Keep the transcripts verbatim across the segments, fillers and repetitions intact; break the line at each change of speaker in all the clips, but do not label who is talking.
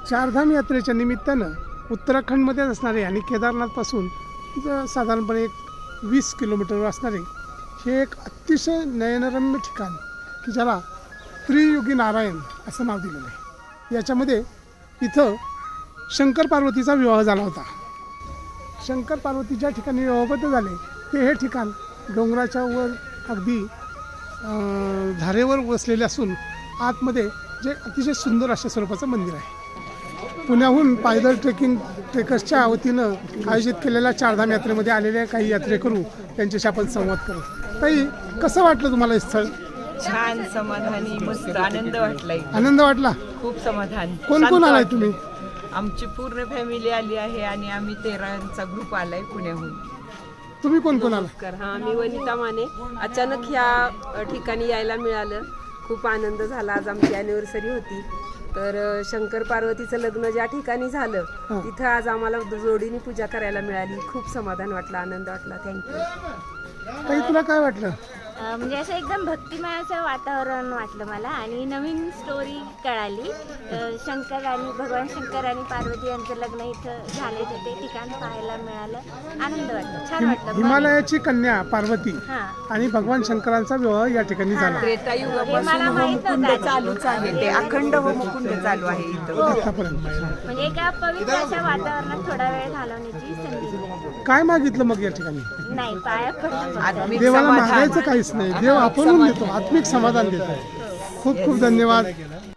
चारधाम यात्रेच्या निमित्तानं उत्तराखंडमध्येच असणारे आणि केदारनाथपासून ज- साधारणपणे एक वीस किलोमीटरवर असणारे हे एक अतिशय नयनरम्य ठिकाण की ज्याला त्रियुगी नारायण असं नाव दिलेलं आहे. याच्यामध्ये इथं शंकर पार्वतीचा विवाह झाला होता. शंकर पार्वती ज्या ठिकाणी विवाहबद्ध झाले ते हे ठिकाण डोंगराच्या वर अगदी अं, धारेवर वसलेले असून आतमध्ये जे अतिशय सुंदर अशा स्वरूपाचं मंदिर आहे. पुण्याहून पायदळ ट्रेकिंग ट्रेकर्सच्या वतीनं आयोजित केलेल्या चारधाम यात्रेमध्ये आलेल्या काही यात्रेकरू त्यांच्याशी आपण संवाद करू. ताई, कसं वाटलं तुम्हाला हे स्थळ?
छान, समाधानी, मस्त आनंद वाटलाय.
आनंद वाटला?
खूप समाधान.
कोण
शांत
कोण आलाय
वाटलं.
तुम्ही?
आमची पूर्ण फॅमिली आली आहे आणि आम्ही तेराचा ग्रुप आलाय पुण्याहून.
तुम्ही कोण कोण आला?
नमस्कार. हां, मी वनिता माने. अचानक ह्या अ, ठिकाणी यायला मिळालं. खूप आनंद झाला. आज आमची ॲनिव्हर्सरी होती. तर अ, शंकर पार्वतीचं लग्न ज्या ठिकाणी झालं
हां.
तिथं आज आम्हाला जोडीने पूजा करायला मिळाली. खूप समाधान वाटलं, आनंद वाटला. थँक्यू.
ताई, तुला काय वाटलं?
अ, म्हणजे असं एकदम भक्तिमय असं वातावरण वाटलं मला आणि नवीन स्टोरी कळाली. अ, शंकर आणि भगवान शंकर आणि पार्वती यांचं लग्न इथं झाले तर ते ठिकाण पाहायला मिळालं. आनंद वाटलं, छान वाटलं.
हिमालयाची कन्या पार्वती
हां,
आणि भगवान शंकरांचा विवाह या ठिकाणी झाला.
त्रेतायुगापासून
हे मला माहित
होमकुंड
नव्हतं.
चालूच आहे. ते अखंड होमकुंड चालू आहे इथं.
आतापर्यंत
म्हणजे एका पवित्र अशा वातावरणात थोडा वेळ घालवण्याची संधी मिळाली.
काय मागितलं मग या ठिकाणी?
नाही, पाया पडलं.
आत्मिक
देवाला
समाधान.
मागायचं काहीच नाही, देव आपणहून देतो, आत्मिक समाधान देतो. खूप खूप धन्यवाद.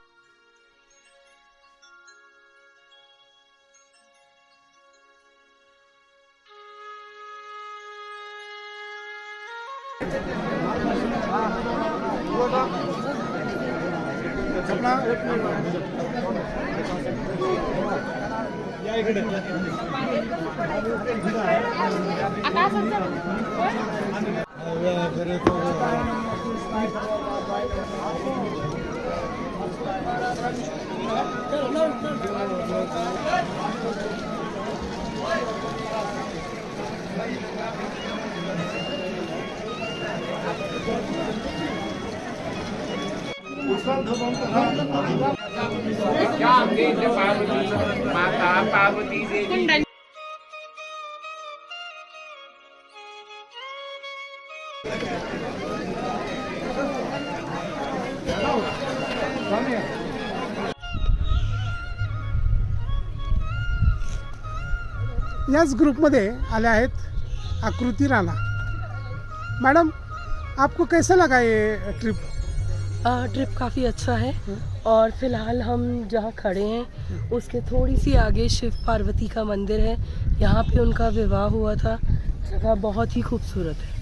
याच ग्रुपमध्ये आले आहेत आकृती राणा. मैडम, आपको कैसा लगा ये ट्रिप?
ट्रिप काफ़ी अच्छा है और फिलहाल हम जहाँ खड़े हैं उसके थोड़ी सी आगे शिव पार्वती का मंदिर है. यहाँ पे उनका विवाह हुआ था. जगह बहुत ही खूबसूरत है.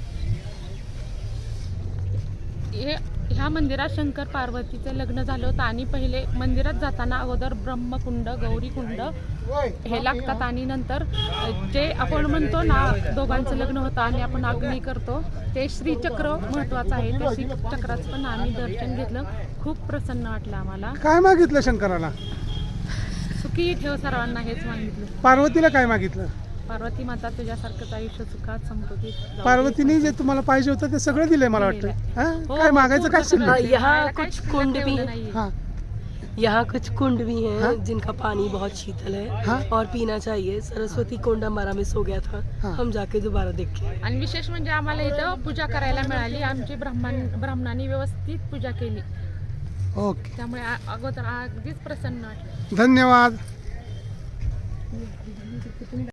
हे ह्या मंदिरात शंकर पार्वतीचं लग्न झालं होतं आणि पहिले मंदिरात जाताना अगोदर ब्रह्मकुंड, गौरीकुंड हे लागतात आणि नंतर जे आपण म्हणतो ना दोघांचं लग्न होतं आणि आपण अग्नी करतो ते श्रीचक्र महत्त्वाचं आहे. ते श्रीचक्राचं पण आम्ही दर्शन घेतलं. खूप प्रसन्न वाटलं आम्हाला.
काय मागितलं शंकराला?
सुखी ठेव सर्वांना हेच मागितलं.
पार्वतीला काय मागितलं?
पार्वती माता तुझ्यासारखंच आयुष्य सुखात समृद्धीत जाऊ दे.
पार्वतीने जे तुम्हाला पाहिजे होतं ते सगळं दिलंय मला वाटतं. हा?
हो,
काय मागायचं काय
पूर्ण
शिल्लक?
हाँ,
सगळं.
यहाँ
मला काय
कुछ
शिल्लक
कुंड भी
ठेवलं
है.
नाहीये.
हाँ
यहाँ कुछ कुंड भी हैं
हाँ?
जिनका पानी बहुत शीतल है
हाँ?
और पीना चाहिए. सरस्वती कुंड हमारा मिस हो गया था.
हाँ.
हम जाके दोबारा देख के आए.
आणि विशेष म्हणजे आम्हाला इथं पूजा करायला मिळाली. आमची ब्राह्मण ब्राह्मणांनी व्यवस्थित पूजा केली.
ओके,
त्यामुळे आ- अगोदर अगदीच प्रसन्न वाटलं.
धन्यवाद.